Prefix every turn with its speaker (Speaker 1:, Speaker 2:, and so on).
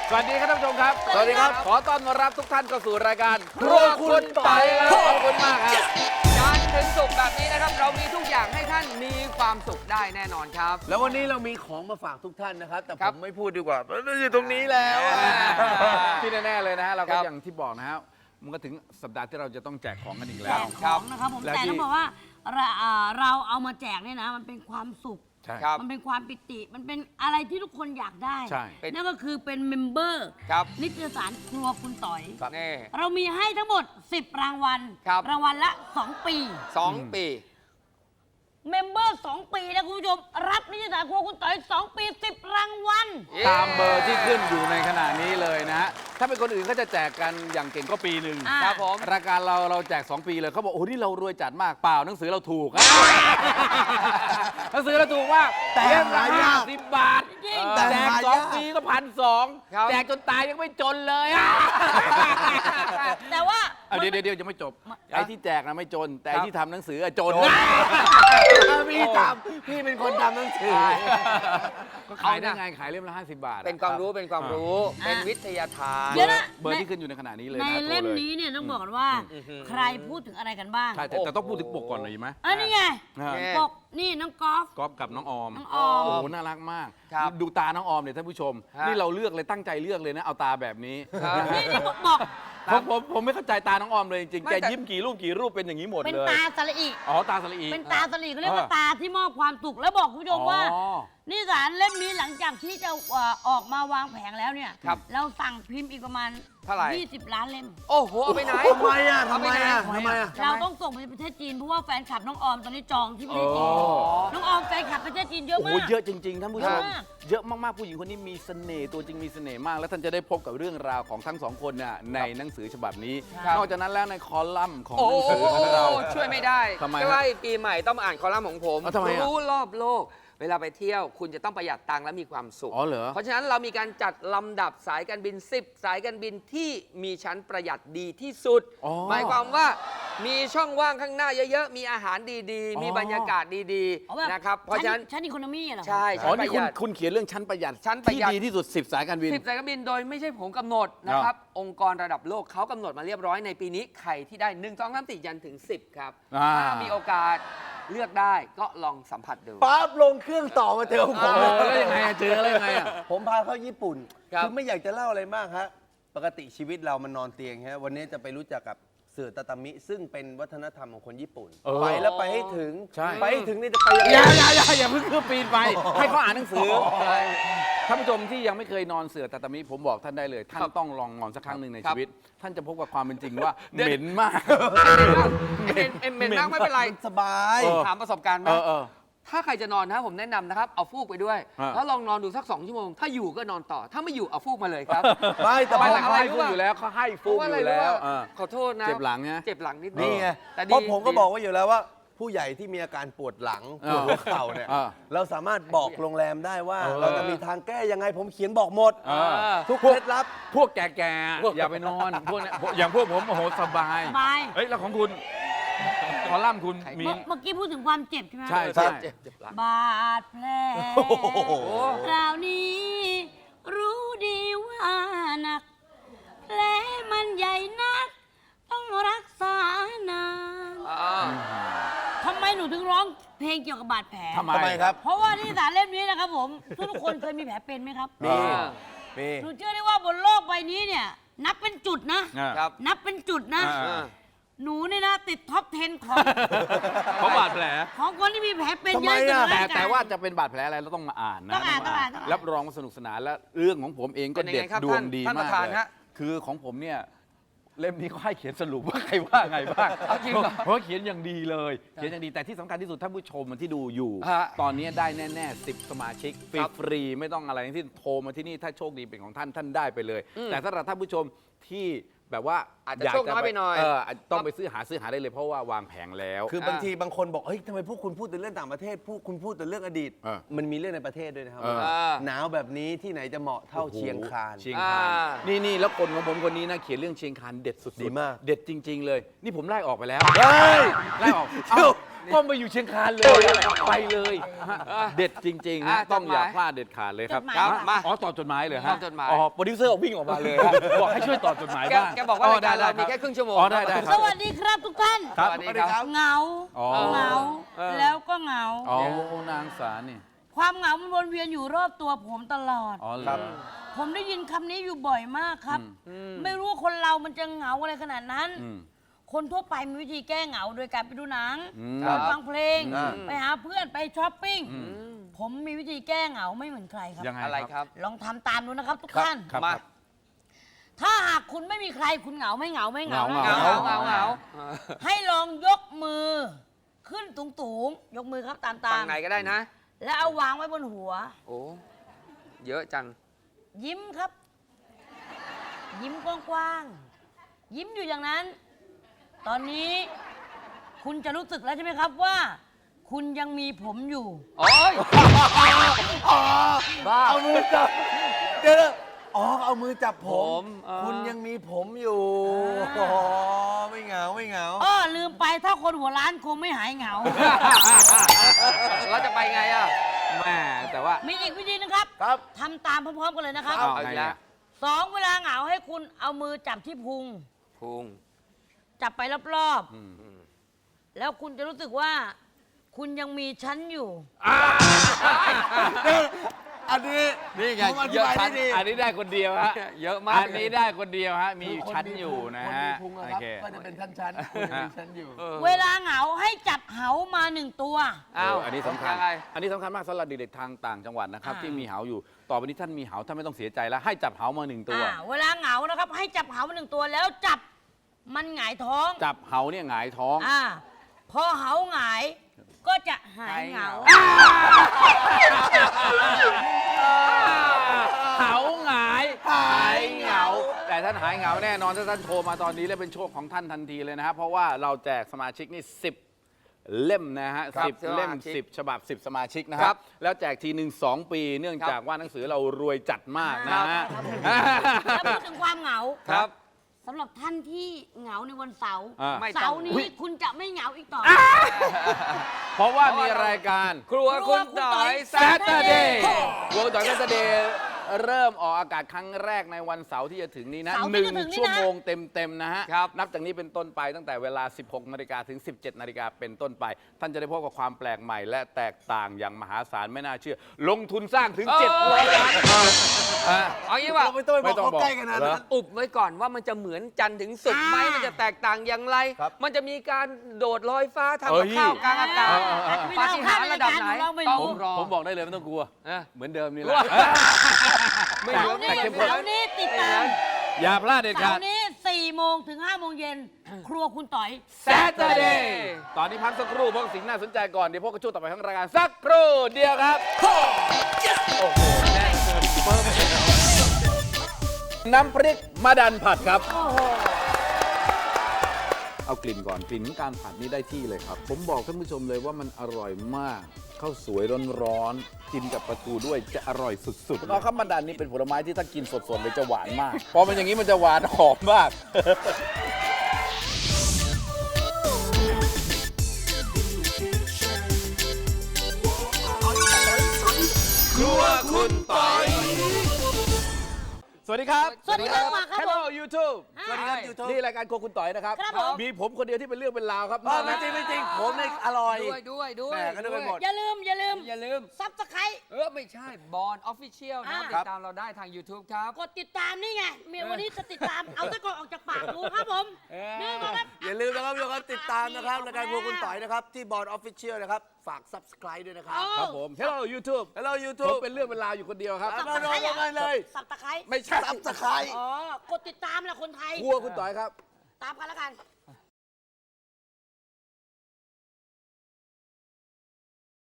Speaker 1: สวัสดีครับท่านผู้ชมครับ
Speaker 2: สวัสดีครับ
Speaker 1: ขอต้อนรับทุกท่านเข้าสู่รายการครัวคุณต่อยครับขอบคุณมากครับ
Speaker 2: จันทร์ถึงศุกร์แบบนี้นะครับ เรามีทุกอย่างให้ท่านมีความสุขได้แน่นอนครับ
Speaker 3: แล้ววันนี้เรามีของมาฝากทุกท่านนะครับ แต่
Speaker 2: ค
Speaker 3: ผ
Speaker 2: รับ
Speaker 3: มไม่พูดดีกว่ามันอยู่ตรงนี้แล้ว
Speaker 1: ที่แน่ๆเลยนะฮะเรา
Speaker 2: ค
Speaker 1: ก็
Speaker 2: รับ
Speaker 1: อย่างที่บอกนะฮะมันก็ถึงสัปดาห์ที่เราจะต้องแจกของกันอีกแล้
Speaker 4: แจ
Speaker 1: ว
Speaker 4: กของนะครับผม
Speaker 1: และ
Speaker 4: แต่
Speaker 1: ที่
Speaker 4: ต้องบอกว่าเราเอามาแจกเนี่ยนะมันเป็นความสุข
Speaker 1: ใช่
Speaker 2: ครับ
Speaker 4: มันเป็นความปิติ มันเป็นอะไรที่ทุกคนอยากได้
Speaker 1: ใช่
Speaker 4: นั่นก็คือเป็นเมมเบอร์
Speaker 2: ครับ
Speaker 4: นิตยสารครัวคุณต่อย
Speaker 2: นี่
Speaker 4: เรามีให้ทั้งหมด 10 รางวัล
Speaker 2: ครับ
Speaker 4: รางวัลละ 2 ปี
Speaker 2: 2 ปี
Speaker 4: เมมเบอร์ 2 ปีนะคุณผู้ชม รับนิตยสารครัวคุณต่อย 2 ปี 10 รางวัล
Speaker 1: ตามเบอร์ที่ขึ้นอยู่ในขณะนี้เลยนะฮะถ้าเป็นคนอื่นก็จะแจกกันอย่างเก่งก็ปีหนึ่ง
Speaker 4: อ่า
Speaker 2: ครับผม
Speaker 1: รายการเราแจก 2 ปีเลยเขาบอกโอ้โหนี่เรารวยจัดมากเปล่าหนังสือเราถูก หนังสือเราถูกมาก
Speaker 3: แต่
Speaker 1: เล่มละ
Speaker 3: หายาก
Speaker 1: 50 บาท
Speaker 4: จริง
Speaker 1: แจก
Speaker 3: หายาก
Speaker 1: 2 ปีก็1,200
Speaker 2: ครับ
Speaker 1: แจกจนตายยังไม่จนเลย
Speaker 4: แต่ว่า
Speaker 1: เดี๋ยวยังไม่จบไอ้ที่แจกนะไม่จน แต่ไอ้ที่ทำหนังสืออะจน
Speaker 3: พี่ทำพี่เป็นคนทำหนังสือ
Speaker 1: ก็ขายได้ไงขายเล่มละ50 บาทอะ
Speaker 2: เป็นความรู้เป็นความรู้ เป็นวิทยาทาน
Speaker 4: เดี๋ยวนะ
Speaker 1: เบอร์ที่ขึ้นอยู่ในขณะนี้เลย
Speaker 4: ใน
Speaker 1: นะโทร
Speaker 4: เล่ม
Speaker 1: เลย
Speaker 4: นี้เนี่ยต้องบอกกันว่า ใครพูดถึงอะไรกันบ้าง
Speaker 1: ใช่แต่ต้องพูดถึงปกก่อนเลยไหม
Speaker 4: นี่ไง
Speaker 1: นะฮะ
Speaker 2: แน่
Speaker 4: ปกนี่น้องกอล์ฟ
Speaker 1: ก๊อฟกับน้องออม
Speaker 4: น้องออม
Speaker 1: โอ้โหน่ารักมาก
Speaker 2: ครับ
Speaker 1: ดูตาน้องออมเนี่ยท่านผู้ชม
Speaker 2: ฮะ
Speaker 1: นี่เราเลือกเลยตั้งใจเลือกเลยนะเอาตาแบบนี้
Speaker 2: ครับ
Speaker 4: นี่บอก
Speaker 1: ผมไม่เข้าใจตาน้องออมเลยจริงๆ
Speaker 2: ไม่
Speaker 1: แก
Speaker 2: แต่
Speaker 1: ยิ้มกี่รูปเป็นอย่างนี้หมด
Speaker 4: เป็น
Speaker 1: เลย
Speaker 4: ตาสระอิ
Speaker 1: อ๋อตาสลี
Speaker 4: เป็นตาสลีเขาเรียกว่า
Speaker 1: เออ
Speaker 4: ตาที่มอบความสุขแล้วบอกคุณผู้ชมว่า
Speaker 1: อ๋อ
Speaker 4: นิสานเล่มนี้หลังจากที่จะออกมาวางแผงแล้วเนี่ย
Speaker 2: ครับ
Speaker 4: เราสั่งพิมพ์อีกประมาณ
Speaker 2: เท่าไหร่
Speaker 4: 20 ล้านเล่ม
Speaker 2: โอ้โห เอาไปไหน
Speaker 3: ทำไมอ่ะ
Speaker 2: เอา
Speaker 3: ทำ
Speaker 2: ไป
Speaker 3: ไม
Speaker 2: ไหน
Speaker 3: อ่ะทำไมอ่ะ
Speaker 4: เราต้องส่งไปประเทศจีนเพราะว่าแฟนคลับน้องออมตอนนี้จองที่ประเทศจีน
Speaker 1: อ๋อ
Speaker 4: น้องออมแฟนคลับประเทศจีนเยอะ
Speaker 1: โอ้โห
Speaker 4: มาก
Speaker 1: เยอะจริงๆท่านผู้ชม
Speaker 4: เยอะมาก
Speaker 1: เยอะมากๆผู้หญิงคนนี้มีเสน่ห์ตัวจริงมีเสน่ห์มาก แล้วท่านจะได้พบกับเรื่องราวของทั้งสองคนน่ะในหนังสือฉบับนี้
Speaker 2: ครับ
Speaker 1: นอกจากนั้นแล้วในคอลัมน์ของ
Speaker 2: โอ้
Speaker 1: หนังสือของเรา
Speaker 2: ช่วยไม่ได้
Speaker 1: ทำไมฮะ
Speaker 2: ไม่ว่าปีใหม่ต้องมาอ่านคอลัมน์ของผม
Speaker 1: ทำไมอะ
Speaker 2: รู้รอบโลก เวลาไปเที่ยว คุณจะต้องประหยัดตังค์และมีความสุข
Speaker 1: อ๋อเหรอ
Speaker 2: เพราะฉะนั้นเรามีการจัดลำดับสายการบิน 10 สายการบินที่มีชั้นประหยัดดีที่สุด
Speaker 1: อ๋อ
Speaker 2: หมายความว่ามีช่องว่างข้างหน้าเยอะๆ มีอาหารดี
Speaker 1: อ๋อ
Speaker 2: ๆ มีบรรยากาศดี
Speaker 4: เอาแบบ
Speaker 2: ๆ นะครับ เพราะฉะนั้น
Speaker 4: ชั้นอีโคโนมี่เหรอ
Speaker 2: ใช่
Speaker 1: อ๋อ
Speaker 2: ชั้นป
Speaker 1: นี่
Speaker 2: ระหยัด
Speaker 1: คุณเขียนเรื่องชั้นประหยัด
Speaker 2: ชั้นประหยัด
Speaker 1: ที่ดีที่สุด 10 สายการบิน
Speaker 2: 10 สายการบินโดยไม่ใช่ผมกำหนดนะครับ องค์กรระดับโลกเขากำหนดมาเรียบร้อยในปีนี้ใครที่ได้ 1 2 3 4ยันถึง 10 ครับ
Speaker 1: อ่า
Speaker 2: ถ้ามีโอกาสเลือกได้ก็ลองสัมผัสดู
Speaker 3: ปั๊บลงเครื่องต่อมาเจอผม
Speaker 1: โอ้แล้วยังไงอะเจอแล้วยังไงอะ
Speaker 3: ผมพาเข้าญี่ปุ่น
Speaker 2: ครับ
Speaker 3: คือไม่อยากจะเล่าอะไรมากฮะปกติชีวิตเรามันนอนเตียงฮะวันนี้จะไปรู้จักกับเสือตาตามิ ซึ่งเป็นวัฒนธรรมของคนญี่ปุ่น
Speaker 1: เออ
Speaker 3: ไปแล้วไปให้ถึง
Speaker 1: ใช่
Speaker 3: ไปให้ถึงนี่จะไปยังไง
Speaker 1: อย่าเพิ่งขึ้นปีนไป ให้เขาอ่านหนังสือท่านผู้ชมที่ยังไม่เคยนอนเสือตาตามิผมบอกท่านได้เลย ท่านต้องลองนอนสักครั้งหนึ่งใน
Speaker 2: ครับ
Speaker 1: ชีวิต ท่านจะพบกับความเป็นจริงว่า
Speaker 2: เดี๋ยว
Speaker 1: เหม็นมาก
Speaker 2: เหม็นมากไม่เป็นไร
Speaker 3: สบาย
Speaker 1: เออ
Speaker 2: ถามประสบการณ์ไหม
Speaker 1: เออ
Speaker 2: ถ้าใครจะนอนนะผมแนะนำนะครับ เอาฟูกไปด้วย
Speaker 1: ฮะ
Speaker 2: แล้วลองนอนดูสัก 2 ชั่วโมง ถ้าอยู่ก็นอนต่อ ถ้าไม่อยู่เอาฟูกมาเลยครับ
Speaker 3: ไม่แต่
Speaker 1: ไม่
Speaker 3: พอ
Speaker 1: แต่เขาให้ฟุกอยู่แล้วเขาให้
Speaker 2: เพ
Speaker 1: ฟุ
Speaker 2: ราะ
Speaker 1: ก
Speaker 2: ว่า
Speaker 1: อ
Speaker 2: อะไร
Speaker 1: ยู่
Speaker 2: รู้
Speaker 1: แล้ว
Speaker 2: ว่า
Speaker 1: เออ
Speaker 2: ขอโทษนะ
Speaker 1: เจ็บหลังไง
Speaker 2: เจ็บหลังนิด
Speaker 3: นี่ไง
Speaker 2: แต่
Speaker 3: เพ
Speaker 2: ดี
Speaker 3: ราะผมก็บอกไว้อยู่แล้วว่า ผู้ใหญ่ที่มีอาการปวดหลังปวดหัวเข่าเนี่ย
Speaker 1: เออ
Speaker 3: เราสามารถบอกโรงแรมได้ว่า
Speaker 1: เออ
Speaker 3: เราจะมีทางแก้ยังไงผมเขียนบอกหมด
Speaker 1: เออ
Speaker 3: ทุกเคล็ดลับ
Speaker 1: พวกแก่ๆอย่าไปนอนพวกเนี้ยอย่างพวกผมโอ้โหสบาย
Speaker 4: สบาย
Speaker 1: เฮ้ยแล้วของคุณคอลัมน์คุณมี
Speaker 4: เมื่อกี้พูดถึงความเจ็บใช่ไหม
Speaker 1: ใช่
Speaker 2: เจ็บเจ็บหลัง
Speaker 4: บาดแผล
Speaker 3: โอ้โห
Speaker 4: คราวนี้ รู้ดีว่าหนัก แผลมันใหญ่นัก ต้องรักษานาน
Speaker 2: อ่า
Speaker 4: ทำไมหนูถึงร้องเพลงเกี่ยวกับบาดแผล
Speaker 1: ทำไม
Speaker 3: ทำไมครับ
Speaker 4: เพราะว่าที่สารเล่มนี้นะครับผม ทุกคนเคยมีแผลเป็นไหมครับ
Speaker 1: มี
Speaker 3: มี
Speaker 4: หนูเชื่อได้ว่าบนโลกใบนี้เนี่ย นับเป็นจุดนะ
Speaker 2: ครับ
Speaker 4: นับเป็นจุดนะ
Speaker 1: อ่า
Speaker 4: หนูเนี่ยนะติดท็อป 10 ของ
Speaker 1: เพราะบาดแผล
Speaker 4: ของคนที่มีแผลเป็น
Speaker 3: ทำ
Speaker 4: เย
Speaker 3: ไม
Speaker 4: อะที่สุด
Speaker 3: อะ
Speaker 4: ในร่งกย
Speaker 1: แต่ว่าจะเป็นบาดแผลอะไรเราต้องมาอ่านนะ
Speaker 4: ต้องอ่าน
Speaker 1: ม
Speaker 4: ต้องอ่าน
Speaker 1: รับรองว่าสนุกสนานและเรื่องของผมเองก็
Speaker 2: เป็นยัง
Speaker 1: เด็ด
Speaker 2: ไงครับ
Speaker 1: ดวงดี
Speaker 2: ท่านป
Speaker 1: มาก
Speaker 2: ระธาน
Speaker 1: เลย
Speaker 2: ฮะ
Speaker 1: คือของผมเนี่ยเล่มนี้ก็ให้เขียนสรุปว่าใครว่าไงบ้าง
Speaker 2: เอาจริงเหรอ
Speaker 1: เพราะเขียนอย่างดีเลยเขียนอย่างดีแต่ที่สำคัญที่สุดท่านผู้ชมที่ดูอยู่
Speaker 2: ฮะ
Speaker 1: ตอนนี้ได้แน่ๆ10 สมาชิก
Speaker 2: ครับ
Speaker 1: ฟรีๆไม่ต้องอะไรทั้งสิ้นโทรมาที่นี่ถ้าโชคดีเป็นของท่านได้ไปเลย แต่สำหรับท่านผู้ชมที่แบบว่า
Speaker 2: อาจจะโชคน้อยไปหน่อย
Speaker 1: ต้องไปซื้อหาได้เลยเพราะว่าวางแผงแล้ว
Speaker 3: คือบางทีบางคนบอกเฮ้ยทำไมพวกคุณพูดแต่เรื่องต่างประเทศคุณพูดแต่เรื่องอดีต
Speaker 1: เออ
Speaker 3: มันมีเรื่องในประเทศด้วยนะครับ
Speaker 1: เออ
Speaker 3: หนาวแบบนี้ที่ไหนจะเหมาะเท่าเชียงคาน
Speaker 1: เชียงคาน
Speaker 2: อ่า
Speaker 1: นี่แล้วคนของผมคนนี้นะเขียนเรื่องเชียงคานเด็ดสุดๆ
Speaker 3: ดีมาก
Speaker 1: เด็ดจริง ๆ เลย นี่ผมไล่ออกไปแล้ว
Speaker 3: เฮ้ย
Speaker 1: ไล่ออก
Speaker 3: เดี๋ยว
Speaker 1: ก็มาอยู่เชียงคานเลยไปเลยฮะเด็ดจริงๆฮะ ต้องอย่าพลาดเด็ดขาดเลยครับ
Speaker 4: จดหมาย
Speaker 1: ครับ
Speaker 2: มา
Speaker 1: อ๋อตอบจดหมายเลย
Speaker 2: ต
Speaker 1: ฮะ
Speaker 2: อบจดหมาย
Speaker 1: อ๋อโปรดิวเซอร์วิ่งออกมาเลยฮะบอกให้ช่วยตอบจดหมายบ้าง
Speaker 2: แกบอกว่ารายการเรามี
Speaker 1: ได้
Speaker 2: แค่ครึ่งชั่วโมง
Speaker 1: อ๋อได้ค
Speaker 4: ส
Speaker 1: รับ
Speaker 4: วัสดีครับทุกท่าน
Speaker 1: ครับ
Speaker 2: สวัสดีครับ
Speaker 4: เหงา
Speaker 1: อ๋อ
Speaker 4: เหงา
Speaker 2: เออ
Speaker 4: แล้วก็เหงา
Speaker 1: อ๋อนางสารนี่
Speaker 4: ความเหงามันวนเวียนอยู่รอบตัวผมตลอด
Speaker 1: อ๋อเหร
Speaker 3: ครั
Speaker 1: อบ
Speaker 4: ผมได้ยินคำนี้อยู่บ่อยมากครับ ไม่รู้ว่าคนเรามันจะเหงาอะไรขนาดนั้น
Speaker 1: อืม
Speaker 4: คนทั่วไปมีวิธีแก้เหงาโดยการไปดูหนัง
Speaker 1: อืม
Speaker 4: การฟังเพลง
Speaker 3: อ่า
Speaker 4: ไปหาเพื่อนไปช้อปปิ้ง ผมมีวิธีแก้เหงาไม่เหมือนใครครับ
Speaker 1: ยังไง
Speaker 2: อะไรครับ
Speaker 4: ลองทำตามดูนะครับทุกท่าน
Speaker 1: ครับ
Speaker 2: มา
Speaker 4: ถ้าหากคุณไม่มีใครคุณเหงาไม่เหงาไม่เหงา
Speaker 1: เห
Speaker 4: นะ
Speaker 1: งา
Speaker 2: เหงาเหงาเหงา
Speaker 4: ให้ลองยกมือ ขึ้นสูงๆยกมือครับตาม
Speaker 2: ฝั่งไหนก็ได้นะ
Speaker 4: ๆแล้วเอาวางไว้บนหัว
Speaker 2: โอ้ เยอะจัง
Speaker 4: ยิ้มครับ ยิ้มกว้างๆยิ้มอยู่อย่างนั้น ตอนนี้ คุณจะรู้สึกแล้วใช่ไหมครับว่า คุณยังมีผมอยู่
Speaker 2: โอ้ยบ้า
Speaker 3: เอามือจับเดี๋ยวนะอ๋อเอามือจับผ
Speaker 2: ผม ม
Speaker 3: คุณยังมีผมอยู่
Speaker 4: อ่า
Speaker 3: อ๋อไม่เหงาไม่เหงา
Speaker 4: อ้อลืมไปถ้าคนหัวล้านคงไม่หายเหงา
Speaker 2: แล้วจะไปไงอ่ะ
Speaker 1: แม่แต่ว่า
Speaker 4: มีอีกวิธีนึงครับ
Speaker 3: ครับ
Speaker 4: ทำตามพร้อมๆกันเลยนะครับ
Speaker 1: เอา
Speaker 2: เอาอีกแล้ว
Speaker 4: 2 เวลาเหงาให้คุณเอามือจับที่พุง
Speaker 2: พุง
Speaker 4: จับไปรอบ
Speaker 1: อืม
Speaker 4: ๆ แล้วคุณจะรู้สึกว่า คุณยังมีฉันอยู่
Speaker 3: อันนี้
Speaker 1: นี่ไง
Speaker 3: ผมอธิ
Speaker 1: เยอะ
Speaker 3: บาย
Speaker 1: ชั้
Speaker 3: ได้
Speaker 1: น
Speaker 3: ดี
Speaker 1: อันนี้ได้คนเดียวฮะ
Speaker 2: เยอะมาก
Speaker 1: อันนี้ได้คนเดียวฮะ มีอยู่ชั้นอยู่นะ
Speaker 3: คน
Speaker 1: ฮะ
Speaker 3: มีพุง
Speaker 1: โอ
Speaker 3: นะครับ
Speaker 1: เค
Speaker 3: ก็จะเป็นชั้นๆคุณยังมีชั้นอยู่
Speaker 4: เวลาเหงาให้จับเหามา1 ตัว
Speaker 2: อ้าว
Speaker 1: อันนี้สำคัญ
Speaker 2: ยังไง
Speaker 1: อันนี้สำคัญมากสำหรับเด็กๆทางต่างจังหวัดนะครับ
Speaker 4: อ่า
Speaker 1: ที่มีเหาอยู่ ต่อไปนี้ท่านมีเหาท่านไม่ต้องเสียใจแล้ว ให้จับเหามา1 ตัว
Speaker 4: เวลาเหงานะครับ ให้จับเหามา1 ตัวแล้วจับมันหงายท้อง
Speaker 1: จับเหาเนี่ยหงายท้อง
Speaker 4: พอเหาหงายก็จะหายเหงา
Speaker 1: เหาหงายหายเหงา แต่ท่านหายเหงาแน่นอนถ้าท่านโทรมาตอนนี้และเป็นโชคของท่านทันทีเลยนะครับ เพราะว่าเราแจกสมาชิกนี่10 เล่มนะฮะ
Speaker 2: ครับ
Speaker 1: 10 เล่ม
Speaker 2: สมาชิก
Speaker 1: 10 ฉบับ 10 สมาชิกนะค
Speaker 2: ครั
Speaker 1: รับ
Speaker 2: บ
Speaker 1: แล้วแจกทีหนึ่ง2 ปี เนื่องจากว่าหนังสือเรารวยจัดมากนะฮะ
Speaker 4: แล้วพูดถึงความเหงา
Speaker 2: ครับ
Speaker 4: สำหรับท่านที่เหงาในวันเสาร์
Speaker 1: อ่า
Speaker 2: ไม่
Speaker 4: เสาร์นี้คุณจะไม่เหงาอีกต่อไป
Speaker 1: เพราะว่ามีรายการ
Speaker 2: ครัวคุณต่อย
Speaker 1: Saturday วงต่อย Saturday เริ่มออกอากาศครั้งแรกในวันเสาร์ที่จะถึงนี้นะ
Speaker 4: เสาร์ที่จะถึงนี้นะ
Speaker 1: 1 ชั่วโมงเต็มๆนะฮะ
Speaker 2: ครับ
Speaker 1: นับจากนี้เป็นต้นไปตั้งแต่เวลา 16 นาฬิกาถึง 17 นาฬิกาเป็นต้นไป ท่านจะได้พบกับความแปลกใหม่และแตกต่างอย่างมหาศาลไม่น่าเชื่อ ลงทุนสร้างถึง 700 ล้านอ่ะ
Speaker 2: เอางี้ว่า
Speaker 3: เราไม่ต้องไปบอกเขาใกล้ขนาด
Speaker 1: เหร
Speaker 3: นั้
Speaker 1: อ
Speaker 3: น
Speaker 2: อุบไว้ก่อนว่ามันจะเหมือนจันทร์ถึงศุกร์ไหมมันจะแตกต่างอย่างไร
Speaker 3: ครับ
Speaker 2: มันจะมีการโดดลอยฟ้าทำ
Speaker 1: เอ้
Speaker 2: กับ
Speaker 1: ย
Speaker 2: ข้าวกลางอากาศ
Speaker 4: อาจจะไม่
Speaker 2: ปา
Speaker 4: เล่า
Speaker 2: ฏิ
Speaker 4: ข้า
Speaker 2: หาม ริย์
Speaker 4: ใน
Speaker 2: ระดับ
Speaker 4: การ
Speaker 2: ไหน
Speaker 4: ของเราไม่
Speaker 2: ต้
Speaker 4: รู้
Speaker 2: องรอ
Speaker 1: ผมบอกได้เลยไม่ต้องกลัว
Speaker 2: เออ
Speaker 1: เหมือนเดิมนี่แห
Speaker 2: กลั
Speaker 1: ละ
Speaker 2: ว ไม่เหลือ
Speaker 4: เสาร์นี้
Speaker 1: แต่เข้มข้น
Speaker 4: เสาร์นี้ติดตาม
Speaker 1: อย่าพลาดเด็ด
Speaker 4: เสา
Speaker 1: ขาด
Speaker 4: ร์นี้4 โมงถึง 5 โมงเย็น ครัวคุณต่อย
Speaker 1: Saturday ตอนนี้พักสักครู่เพราะสิ่งน่าสนใจก่อน เดี๋ยวพวกกระชูต่อไปของรายการสักครู่เดียวครับ โอ้โหแน่นเกินเพิ่มน้ำพริกมะดันผัดครับ เอากลิ่นก่อนกลิ่นของการผัดนี่ได้ที่เลยครับ ผมบอกท่านผู้ชมเลยว่ามันอร่อยมากข้าวสวยร้อนๆกินกับปลาทูด้วยจะอร่อยสุดๆแล้วครับมะดันนี่เป็นผลไม้ที่ถ้ากินสดๆเลยจะหวานมาก พอมันอย่างนี้มันจะหวานหอมมาก ครัวคุณปอยสวัสดีครับ
Speaker 4: สวัสดีครับมาครับผม
Speaker 1: Hello YouTube
Speaker 4: สวัสดีครับ
Speaker 3: YouTube
Speaker 1: นี่รายการโครัวคุณต่อยนะครับ
Speaker 4: ครับผม
Speaker 1: มีผมคนเดียวที่เป็นเรื่องเป็นราวครับ
Speaker 3: ไม่จริงไม่จริงผมเนี่ยอร่อย
Speaker 2: ด้วย
Speaker 3: แหม่ก็นึกไปหมด
Speaker 4: อย่าลืม
Speaker 2: อย่าลืม
Speaker 4: ซับสไคร
Speaker 2: ไม่ใช่บอลออฟฟิเชียลนะครับ
Speaker 4: อ่า
Speaker 2: ติดตามเราได้ทาง YouTube ครับ
Speaker 4: กดติดตามนี่ไงเมียวันนี้จะติดตาม เอาตะกอนออกจากปากดูครับผมนี่นะครับ
Speaker 3: อย่าลืมนะครับทุกคนติดตามนะครับรายการครัวคุณต่อยนะครับ ที่บอร์ดออฟฟิเชียลนะครับ ฝาก subscribe ด้วยนะครับ
Speaker 1: ครับผม Hello YouTube
Speaker 3: Hello
Speaker 1: ผม
Speaker 3: YouTube
Speaker 1: เป็นเรื่องเป็นราวอยู่คนเดียวครับ
Speaker 3: มาลงกันเลย
Speaker 4: สับตะไคร้
Speaker 1: ไม่ใช่
Speaker 3: subscribe
Speaker 4: อ๋อ กดติดตามแหละคนไทย
Speaker 1: ครัวคุณต่อยครับ
Speaker 4: ตามกันแล้วกัน